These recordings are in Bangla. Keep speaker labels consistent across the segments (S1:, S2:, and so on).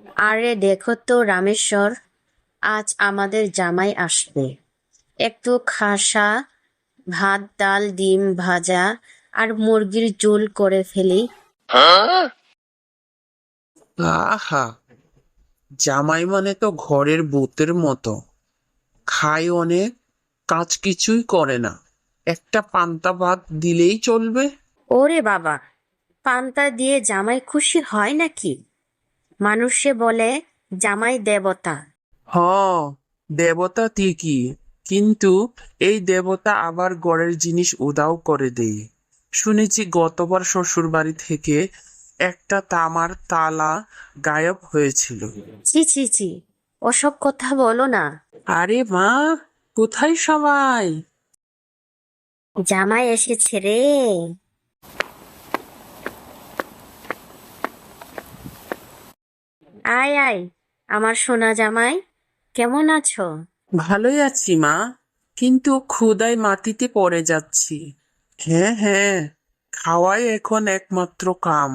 S1: আরে দেখো তো রামেশ্বর, আজ আমাদের জামাই আসবে। একটু খাসা ভাত, ডাল, ডিম ভাজা আর মুরগির ঝোল করে ফেলি।
S2: আহা, জামাই মানে তো ঘরের ভূতের মতো। খায় অনেক, কাজ কিছুই করে না। একটা পান্তা ভাত দিলেই চলবে।
S1: ওরে বাবা, পান্তা দিয়ে জামাই খুশি হয় নাকি? মানুষে বলে জামাই দেবতা।
S2: হ, দেবতা ঠিকই, কিন্তু এই দেবতা আবার ঘরের জিনিস উধাও করে দেয়। শুনেছি গতবার শ্বশুর বাড়ি থেকে একটা তামার তালা গায়েব হয়েছিল।
S1: ছি ছি ছি, ওসব কথা বলো না।
S2: আরে মা, কোথায় সবাই?
S1: জামাই এসেছে রে। আয় আয়, আমার সোনা জামাই, কেমন আছো?
S2: ভালোই আছি মা, কিন্তু ক্ষুধায় মাটিতে পড়ে যাচ্ছি। হ্যাঁ হ্যাঁ, খাওয়াই এখন একমাত্র কাম।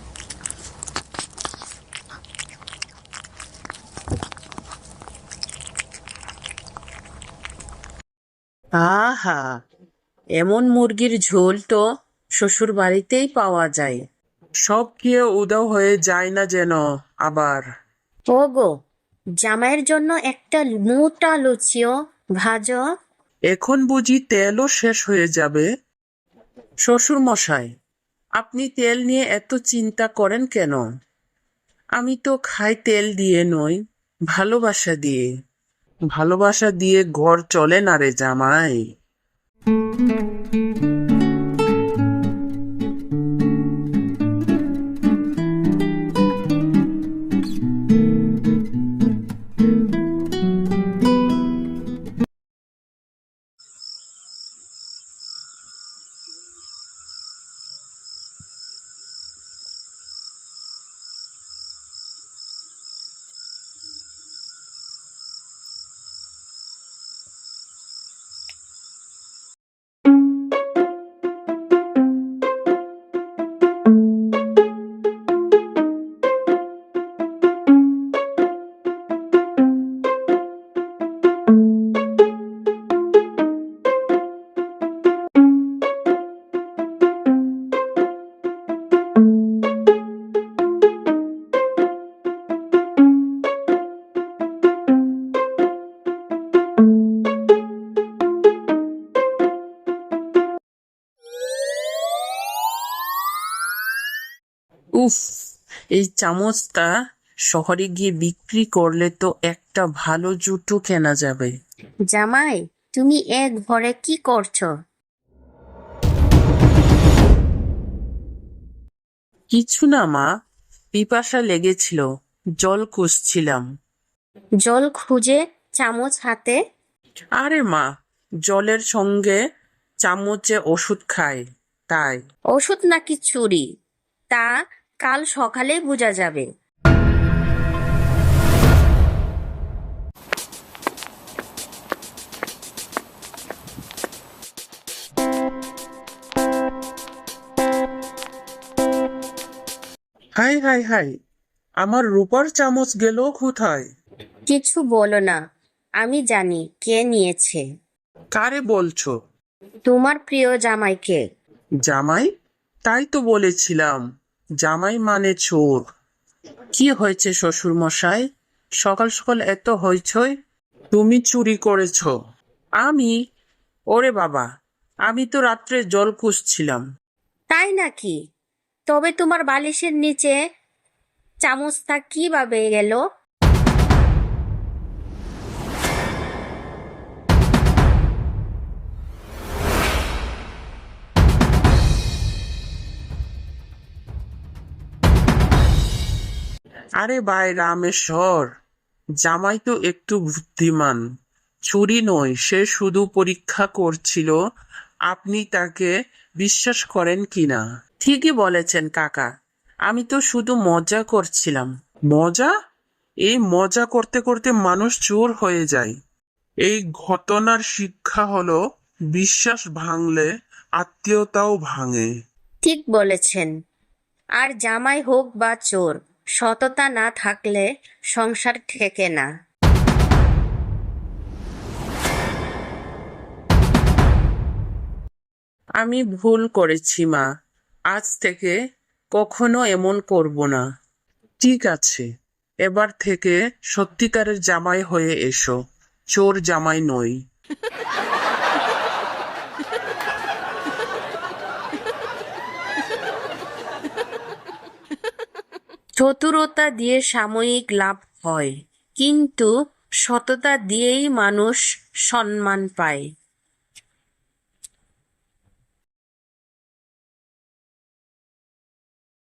S2: আহা, এমন মুরগির ঝোল তো শ্বশুর বাড়িতেই পাওয়া যায়। সব খেয়ে উধাও হয়ে যায় না যেন আবার।
S1: ওগো, জামাইয়ের জন্য একটা মোটা লুচিও ভাজো।
S2: এখন বুঝি তেলও শেষ হয়ে যাবে? শ্বশুর মশাই, আপনি তেল নিয়ে এত চিন্তা করেন কেন? আমি তো খাই তেল দিয়ে নয়, ভালোবাসা দিয়ে। ভালোবাসা দিয়ে ঘর চলে না রে জামাই। উফ, এই চামচটা শহরে গিয়ে বিক্রি করলে তো একটা ভালো জুতো কেনা যাবে।
S1: জামাই, তুমি এক ঘরে কি করছো?
S2: কিছু না মা, পিপাসা লেগেছিল, জল খুঁজছিলাম।
S1: জল খুঁজে চামচ হাতে?
S2: আরে মা, জলের সঙ্গে চামচে ওষুধ খায়, তাই।
S1: ওষুধ নাকি চুরি, তা কাল সকালে বোঝা যাবে।
S2: হাই হাই হাই, আমার রূপার চামচ গেল কোথায়?
S1: কিছু বলো না, আমি জানি কে নিয়েছে।
S2: কারে বলছো?
S1: তোমার প্রিয় জামাইকে।
S2: জামাই? তাই তো বলেছিলাম, জামাই মানে চোর। কি হয়েছে শ্বশুর মশাই, সকাল সকাল এত হইচই? তুমি চুরি করেছো? আমি? ওরে বাবা, আমি তো রাত্রে জল খুঁজছিলাম।
S1: তাই নাকি? তবে তোমার বালিশের নিচে চামচটা কিভাবে গেল?
S2: আরে ভাই রামেশ্বর, জামাই তো একটু বুদ্ধিমান। চুরি নয়, সে শুধু পরীক্ষা করছিল আপনি তাকে বিশ্বাস করেন কিনা। ঠিকই বলেছেন কাকা, আমি তো শুধু মজা করছিলাম। মজা? এই মজা করতে করতে মানুষ চোর হয়ে যায়। এই ঘটনার শিক্ষা হলো, বিশ্বাস ভাঙলে আত্মীয়তাও ভাঙে।
S1: ঠিক বলেছেন। আর জামাই হোক বা চোর, সততা না থাকলে সংসার ঠেকে না।
S2: আমি ভুল করেছি মা, আজ থেকে কখনো এমন করব না। ঠিক আছে, এবার থেকে সত্যিকারের জামাই হয়ে এসো, চোর জামাই নই।
S1: চতুরতা দিয়ে সাময়িক লাভ হয়, কিন্তু সততা দিয়েই মানুষ সম্মান পায়।